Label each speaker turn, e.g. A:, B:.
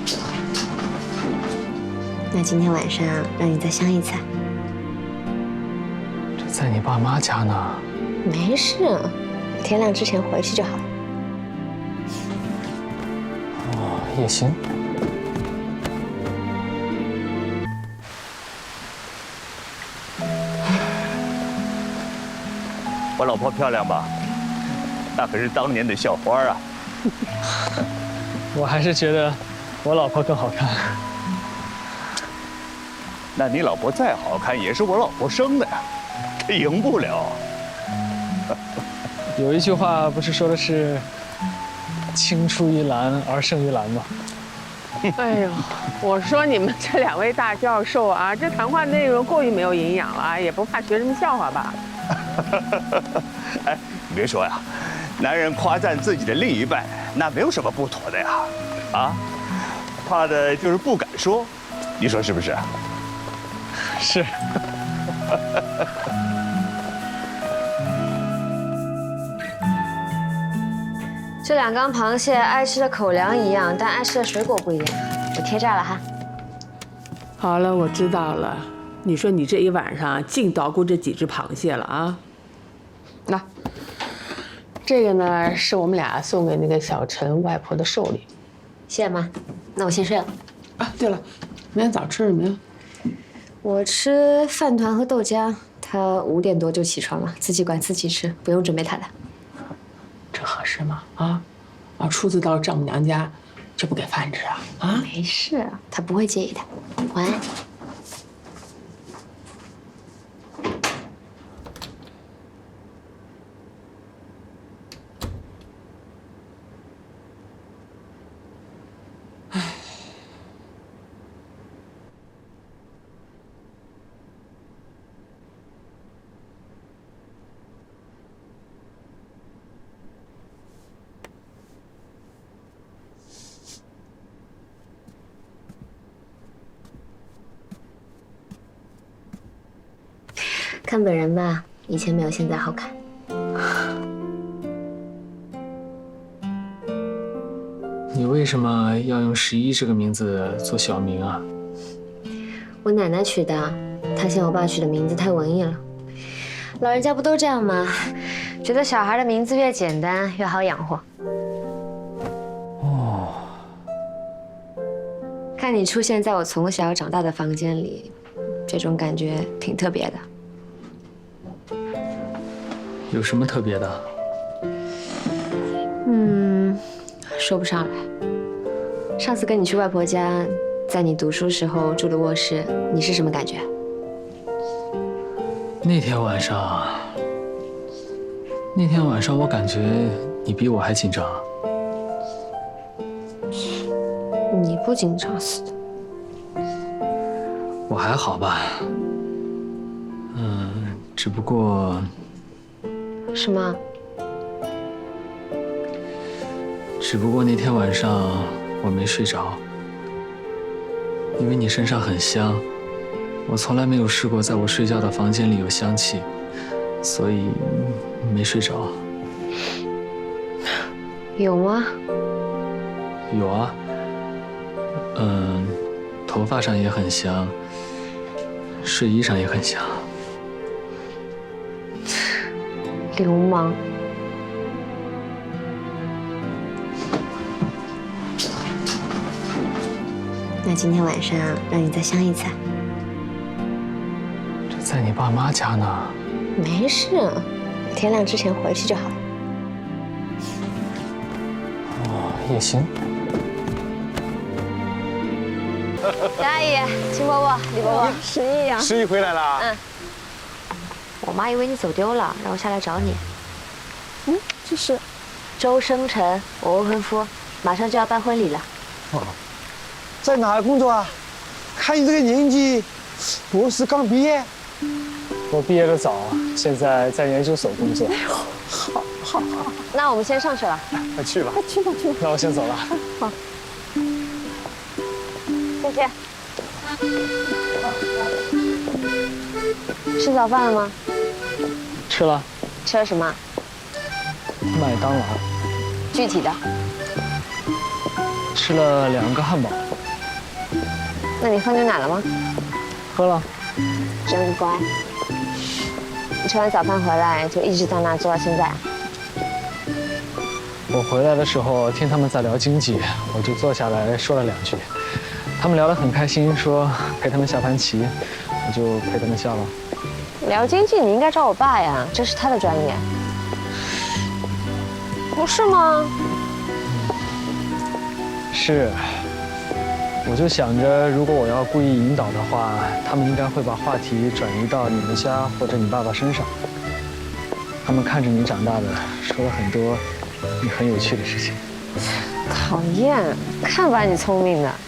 A: 那今天晚上让你再相一次。
B: 这在你爸妈家呢。
A: 没事，天亮之前回去就好了。
B: 哦，也行。
C: 我老婆漂亮吧？那可是当年的校花啊！
B: 我还是觉得我老婆更好看。
C: 那你老婆再好看，也是我老婆生的呀，这赢不了。
B: 有一句话不是说的是“青出于蓝而胜于蓝”吗？
D: 哎呦，我说你们这2位大教授啊，这谈话内容过于没有营养了，也不怕学生们笑话吧？
C: 哎，你别说呀，男人夸赞自己的另一半，那没有什么不妥的呀，啊，怕的就是不敢说，你说是不是？
B: 是。
A: 这2缸螃蟹爱吃的口粮一样，但爱吃的水果不一样。我贴这儿了哈。
D: 好了，我知道了。你说你这一晚上净捣鼓这几只螃蟹了啊？那这个呢，是我们俩送给那个小陈外婆的寿礼。
A: 谢谢妈，那我先睡了。
D: 啊，对了，明天早吃什么呀？
A: 我吃饭团和豆浆，他5点多就起床了，自己管自己吃，不用准备他的。
D: 这合适吗？啊，初次到丈母娘家就不给饭吃啊？啊，
A: 没事，他不会介意的。晚安。看本人吧，以前没有现在好看。
B: 你为什么要用11这个名字做小名啊？
A: 我奶奶取的，她嫌我爸取的名字太文艺了。老人家不都这样吗？觉得小孩的名字越简单越好养活。
B: 哦，
A: 看你出现在我从小长大的房间里，这种感觉挺特别的。
B: 有什么特别的？
A: 说不上来。上次跟你去外婆家，在你读书时候住的卧室，你是什么感觉？
B: 那天晚上我感觉你比我还紧张。
A: 你不紧张死的。
B: 我还好吧，只不过
A: 什么？
B: 那天晚上我没睡着，因为你身上很香，我从来没有试过在我睡觉的房间里有香气，所以没睡着。
A: 有吗？
B: 有啊，头发上也很香，睡衣上也很香。
A: 流氓。那今天晚上让你再相一次。
B: 这在你爸妈家呢。
A: 没事，天亮之前回去就好了。
B: 哦，也行。
A: 杨阿姨、秦伯伯、李伯伯，
D: 十一呀，
E: 十一回来了。
A: 我妈以为你走丢了，让我下来找你。
D: 这是
A: 周生辰，我未婚夫，马上就要办婚礼了。
E: 在哪儿工作啊？看你这个年纪，博士刚毕业。
B: 我毕业的早，现在在研究所工作。
E: 好。
A: 那我们先上去了。
B: 快去吧。
D: 去吧。
B: 那我先走了。
D: 好。
A: 谢谢。吃早饭了吗？
B: 吃了。
A: 吃了什么？
B: 麦当劳。
A: 具体的。
B: 吃了2个汉堡。
A: 那你喝牛奶了吗？
B: 喝了。
A: 真乖。你吃完早饭回来就一直在那做到现在啊？
B: 我回来的时候听他们在聊经济，我就坐下来说了2句。他们聊得很开心，说陪他们下盘棋，我就陪他们下了。
A: 聊经济你应该找我爸呀，这是他的专业。不是吗？
B: 是。我就想着，如果我要故意引导的话，他们应该会把话题转移到你们家或者你爸爸身上。他们看着你长大的，说了很多你很有趣的事情。
A: 讨厌，看把你聪明的。